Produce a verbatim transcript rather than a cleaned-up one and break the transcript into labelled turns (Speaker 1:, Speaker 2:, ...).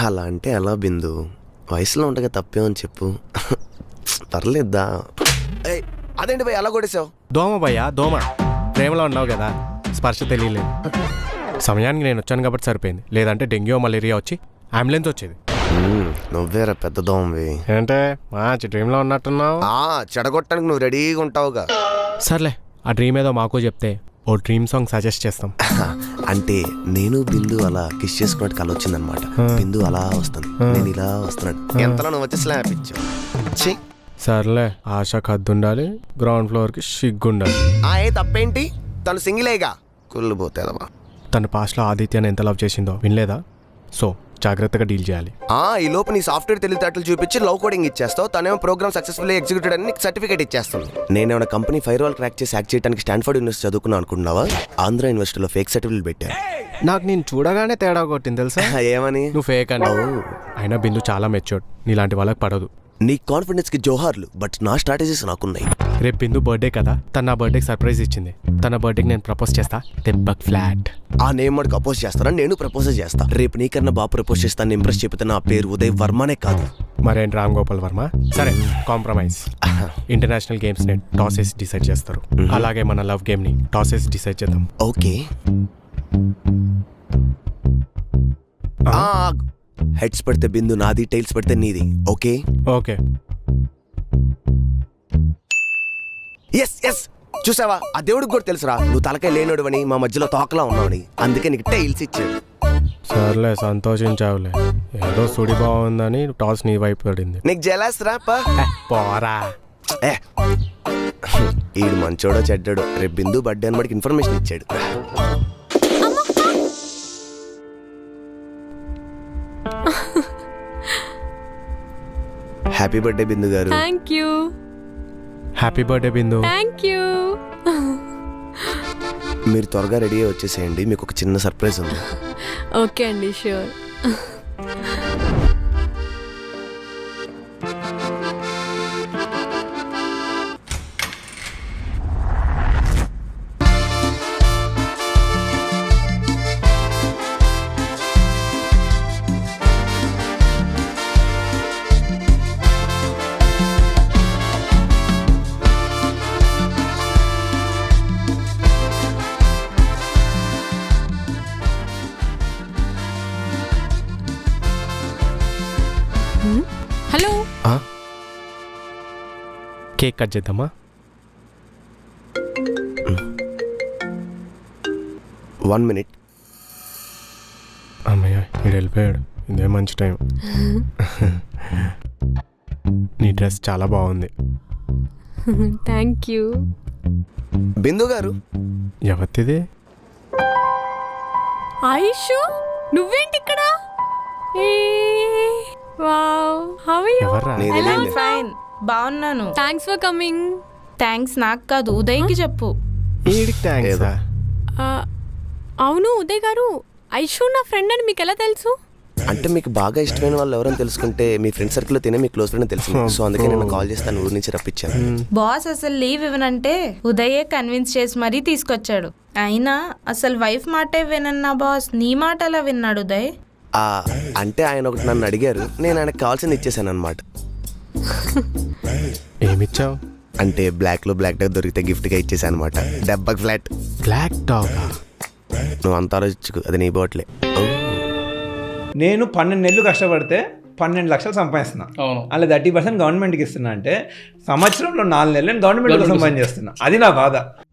Speaker 1: అలా అంటే ఎలా బిందు, వయసులో ఉండగా తప్పేమని చెప్పు. పర్లేద్దా. అదేంటి భయ్ అలా కొట్టేసావు?
Speaker 2: దోమ భయ్యా దోమ. ప్రేమలో ఉన్నావు కదా, స్పర్శ తెలియలేదు. సమయానికి నేను వచ్చాను కాబట్టి సరిపోయింది, లేదంటే డెంగ్యూ మలేరియా వచ్చి అంబులెన్స్ వచ్చేది.
Speaker 1: నువ్వేరా పెద్ద దోమవి.
Speaker 2: ఏంటే మంచి డ్రీమ్లో ఉన్నట్టున్నావు.
Speaker 1: చెడగొట్టడానికి నువ్వు రెడీగా ఉంటావుగా.
Speaker 2: సర్లే, ఆ డ్రీమ్ ఏదో మాకు చెప్తే ఓ డ్రీమ్ సాంగ్ సజెస్ట్ చేస్తాం.
Speaker 1: అంటే నేను బిందు అలా కిస్ చేసుకున్నట్టు కల వచ్చిందనమాట. బిందు అలా వస్తుంది, నేను ఇలా వస్తున్నాడు, ఎంతలో నువ్వు వచ్చి స్లాప్ ఇచ్చావు.
Speaker 2: సర్లే, ఆశకు హద్దు ఉండాలి, గ్రౌండ్ ఫ్లోర్కి సిగ్గుండాలి.
Speaker 1: ఏ తప్పేంటి, తను సింగిలేగా, కుళ్ళు పోతేదమ్మా.
Speaker 2: తన పాస్ట్లో ఆదిత్యాన్ని ఎంత లవ్ చేసిందో వినలేదా? సో జాగ్రత్తగా డీల్ చేయాలి.
Speaker 1: ఈ లోపు నీ సాఫ్ట్వేర్ తెలివితేటలు చూపించి లవ్ కోడింగ్ ఇచ్చేస్తావు, తనేమో ప్రోగ్రామ్ సక్సెస్ఫుల్ ఎగ్జిక్యూటెడ్ అని నీకు సర్టిఫికేట్ ఇచ్చేస్తుంది. నేనేమైనా కంపెనీ ఫైర్ వాల్ క్రాక్ చేసి యాక్ట్ చేయడానికి స్టాన్ఫోర్డ్ యూనివర్సిటీ చదువుకున్నాను అనుకుంటున్నావా? ఆంధ్ర యూనివర్సిటీలో ఫేక్ సర్టిఫికేట్ పెట్టాను.
Speaker 2: నాకు నేను చూడగానే తేడా కొట్టింది తెలుసా. ఏమని? నువ్వు ఫేక్ అని. అయినా బిందు చాలా మెచ్యూర్డ్, నీలాంటి వాళ్ళకి పడదు.
Speaker 1: నీ కాన్ఫిడెన్స్ కి జోహార్లు, బట్ నా స్ట్రాటజీస్ నాకున్నాయి.
Speaker 2: రేపు బిందు బర్త్డే కదా, తన నా బర్త్డేకి సర్ప్రైజ్ ఇచ్చింది. తన బర్త్డేకి నేను ప్రపోజ్ చేస్తా, దెబ్బక్ ఫ్లాట్.
Speaker 1: ఆ నేమ్ వాడికి అపోజ్ చేస్తానని నేను ప్రపోజ్ చేస్తా. రేపు నీకన్నా బాగా ప్రపోజ్ చేస్తాను ఇంప్రెస్ చెబితే నా పేరు ఉదయ్ వర్మనే కాదు,
Speaker 2: మరేంటి రామ్ గోపాల్ వర్మ. సరే, కాంప్రమైజ్. ఇంటర్నేషనల్ గేమ్స్ ని టాస్ వేసి డిసైడ్ చేస్తారు, అలాగే మన లవ్ గేమ్ ని టాస్ వేసి డిసైడ్ చేద్దాం.
Speaker 1: ఓకే. హెడ్స్ పెడితే బిందు నాది, టైల్స్ పెడితే నీది. Okay
Speaker 2: okay.
Speaker 1: ఎస్ ఎస్ చూసావా, ఆ దేవుడికి కూడా తెలుసురా నువ్వు తలకాయ లేనోడువని, మా మధ్యలో తోకలా ఉన్నావని, అందుకే నీకు టైల్స్ ఇచ్చాడు.
Speaker 2: సర్లే, సంతోషించావులే. ఏదో సుడి బాగుందని టాస్ నీ వైపు పడింది.
Speaker 1: నీకు జెలస్ రా.
Speaker 2: పోరా.
Speaker 1: ఈడు మంచోడో చెడ్డాడో, రేపు బిందు బర్త్డే అని మనకి ఇన్ఫర్మేషన్ ఇచ్చాడు. Happy birthday Bindu garu.
Speaker 3: Thank you.
Speaker 2: Happy birthday Bindu.
Speaker 3: Thank you.
Speaker 1: మీరు త్వరగా రెడీ అయ్యి వచ్చేసేయండి, మీకు ఒక చిన్న సర్ప్రైజ్ ఉంది.
Speaker 3: ఓకే అండి, ష్యూర్. హలో,
Speaker 2: కేక్ కట్ చేద్దామా?
Speaker 1: One minute.
Speaker 2: అమ్మయ్య, వీడు వెళ్ళిపోయాడు. ఇదే మంచి టైం. నీ డ్రెస్ చాలా బాగుంది.
Speaker 3: Thank you.
Speaker 1: బిందు గారు.
Speaker 2: ఎవరిది?
Speaker 3: ఆయుషు, నువ్వేంటి ఇక్కడ? Wow, how are you?
Speaker 2: ఎవర్రా?
Speaker 3: ఐ
Speaker 4: ఫైన్, బాగున్నాను.
Speaker 3: Thanks for coming.
Speaker 4: థ్యాంక్స్ నాకు కాదు, ఉదయ్కి చెప్పు.
Speaker 2: ఈడికి థ్యాంక్స్.
Speaker 3: అవును ఉదయ్ గారు, ఐషు నా ఫ్రెండ్ అని మీకు ఎలా తెలుసు?
Speaker 1: అంటే మీకు బాగా ఇష్టమైన వాళ్ళు ఎవరైనా తెలుసుకుంటే మీ ఫ్రెండ్ సర్కిల్లో తినే మీ క్లోజ్ ఫ్రెండ్ తెలుసు, సో అందుకే నేను కాల్ చేస్తాను, ఊరి నుంచి రప్పించాను.
Speaker 4: బాస్ అసలు లీవ్ ఇవ్వనంటే ఉదయే కన్విన్స్ చేసి మరీ తీసుకొచ్చాడు. అయినా అసలు వైఫ్ మాటే వినన్నా బాస్, నీ మాట అలా విన్నాడు ఉదయ్?
Speaker 1: అంటే ఆయన ఒకటి నన్ను అడిగారు, నేను ఆయనకు కావాల్సింది ఇచ్చేసాను అనమాట.
Speaker 2: ఏమిచ్చావు?
Speaker 1: అంటే బ్లాక్ లో బ్లాక్ డాగ్ దొరికితే గిఫ్ట్ గా ఇచ్చేసాను అనమాట. డెబ్బకి ఫ్లాట్.
Speaker 2: Black dog?
Speaker 1: నువ్వు అంత ఆలోచించుకు, అది నీ బోట్లే.
Speaker 5: నేను పన్నెండు నెలలు కష్టపడితే పన్నెండు లక్షలు సంపాదిస్తున్నా, అలా థర్టీ పర్సెంట్ గవర్నమెంట్కి ఇస్తున్నా. అంటే సంవత్సరంలో నాలుగు నెలలు నేను గవర్నమెంట్ సంపాదన చేస్తున్నా. అది నా బాధ.